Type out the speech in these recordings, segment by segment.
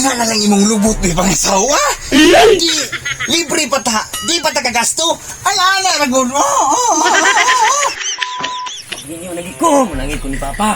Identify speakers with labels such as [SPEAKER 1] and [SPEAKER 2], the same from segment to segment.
[SPEAKER 1] Nga na lang imong lubot may pangasawa. Di, libre pa ta. Di pa ta kagasto. Ay, ana, ragon.
[SPEAKER 2] Hindi nyo lagi ko. Manangit ko ni Papa.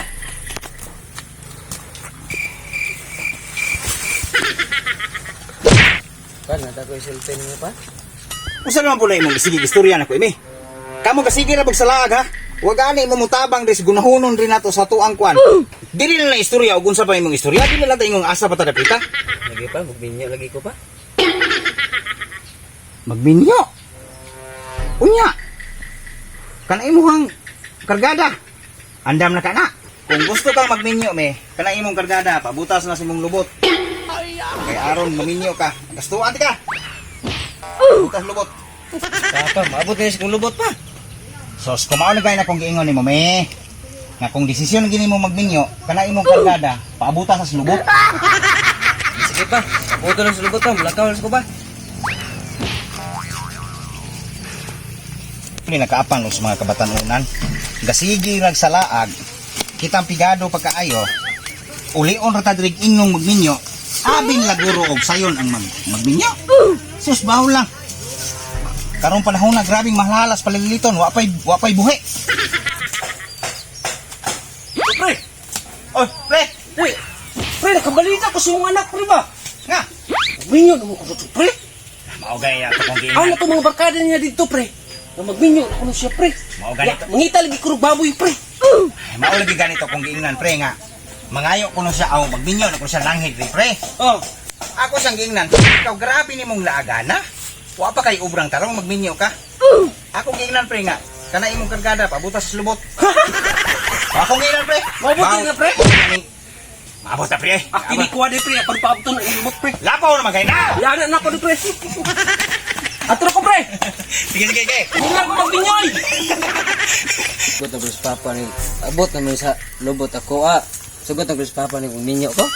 [SPEAKER 2] Kan, nata ko isultin niyo pa?
[SPEAKER 1] Usa naman po na imong sige istorya na ko, imi. Kamu kasige na pagsalaag, ha? Huwag ani mo mutabang res gunahonon rin nato sa tuang kwan. Dili na lang istorya ug unsa pa imong istorya, dili na lang tayong asa pa ta dapita.
[SPEAKER 2] Lagi pa, magbinyo lagi ko pa.
[SPEAKER 1] Magbinyo. Unya. Kana imuhang kargada. Andam na kana. Kung gusto kang magminyo me, kana imong kargada, pabutas na sa imong lubot. Kay aron maminyo ka. Gastuan ti ka. Butas lubot.
[SPEAKER 2] Papa, maabot na yung lubot pa.
[SPEAKER 1] Sos, kumao na gaya na kung giingon nimo me. Nga kung desisyon gini mo magminyo, kana imong kargada, paabutas sa lubot.
[SPEAKER 2] Sige pa, abuto na sa lubot pa. Mulakaw na ko pa.
[SPEAKER 1] Ini nakaapang no sa mga kabatanunan. Gasigi rag sa laag, kitang pigado pagkaayo. Ulion ra ta dirig ingong magminyo. Abin laguro og sayon ang magminyo. Sus bawo lang. Karong panahon na grabing mahlalas paliliton, wa pay buhi.
[SPEAKER 2] Pre!
[SPEAKER 1] Oh, pre.
[SPEAKER 2] Uy! Pre, nakabalita ko sa iyong anak, pre ba?
[SPEAKER 1] Nga.
[SPEAKER 2] Magminyo na mo ko dito, pre.
[SPEAKER 1] Mao gaya to kung
[SPEAKER 2] Ano
[SPEAKER 1] giingon.
[SPEAKER 2] to mga barkada niya dito, pre? Na magminyo na ko siya, pre.
[SPEAKER 1] Mao ganito.
[SPEAKER 2] Mangita lagi ko ng baboy, pre.
[SPEAKER 1] Mao lagi ganito kung giingnan pre nga. Mangayo ko no siya aw magminyo na ko siya langhid pre.
[SPEAKER 2] Oh,
[SPEAKER 1] Ako sang giingnan. Ikaw grabe nimong laagana. Wa pa kay ubrang tarong magminyo ka. Ako giingnan pre nga. Kana imong kargada pabutas sa lubot. Ako giingnan pre.
[SPEAKER 2] Mabuti na, pre.
[SPEAKER 1] Mabot na pre.
[SPEAKER 2] akini ko ade, pre. Pag paabot na ilumot, pre.
[SPEAKER 1] Lapaw naman kay na.
[SPEAKER 2] Yan na ako, pre. Atro ko, pre.
[SPEAKER 1] Sige sige sige.
[SPEAKER 2] Hindi lang ko magminyoy. Sugot na ko sa papa ni. Abot naman sa lubot ako, Sugot na ko sa papa ni kung minyo ko.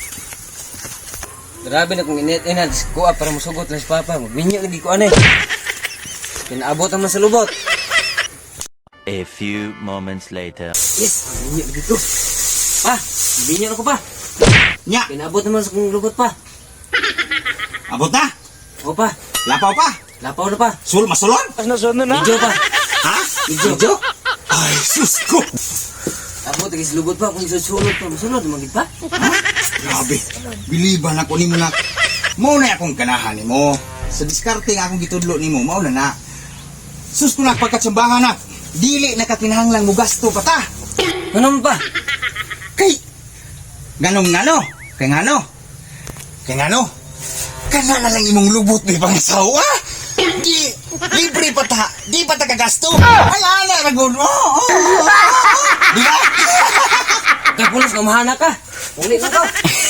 [SPEAKER 2] Grabe na kung init-inad ko, para masugot na sa papa. Magminyo lagi ko, Pinaabot naman sa lubot.
[SPEAKER 3] A few moments later.
[SPEAKER 2] Yes, magminyo lagi ko. Pa, magminyo na ko, pa.
[SPEAKER 1] Nya,
[SPEAKER 2] Pinaabot naman sa kong lubot, pa.
[SPEAKER 1] abot na.
[SPEAKER 2] O, pa.
[SPEAKER 1] Lapaw pa.
[SPEAKER 2] Lapaw na, pa.
[SPEAKER 1] Masulon.
[SPEAKER 2] Medyo, pa.
[SPEAKER 1] Ha?
[SPEAKER 2] Medyo.
[SPEAKER 1] Ay, sus ko.
[SPEAKER 2] Abot lagi sa lubot, pa. Kung susunod pa, masunod, magig pa.
[SPEAKER 1] Grabe. Biliban ako nimo na. Mao na akong ganahan nimo. Sa diskarte nga akong gitudlo nimo, mao na. Sus ko na pagkatsambahan na. Dili na kakinahanglang mo gasto pa ta.
[SPEAKER 2] Ano pa?
[SPEAKER 1] Kay ganong ngano? Kay ngano? Kay ngano? Kana na lang imong lubot may pangasawa. Di libre pa ta. Di pa ta kagasto. Ay ana ragon. Di ba?
[SPEAKER 2] Kapulos na mahana ka. Uli na ka.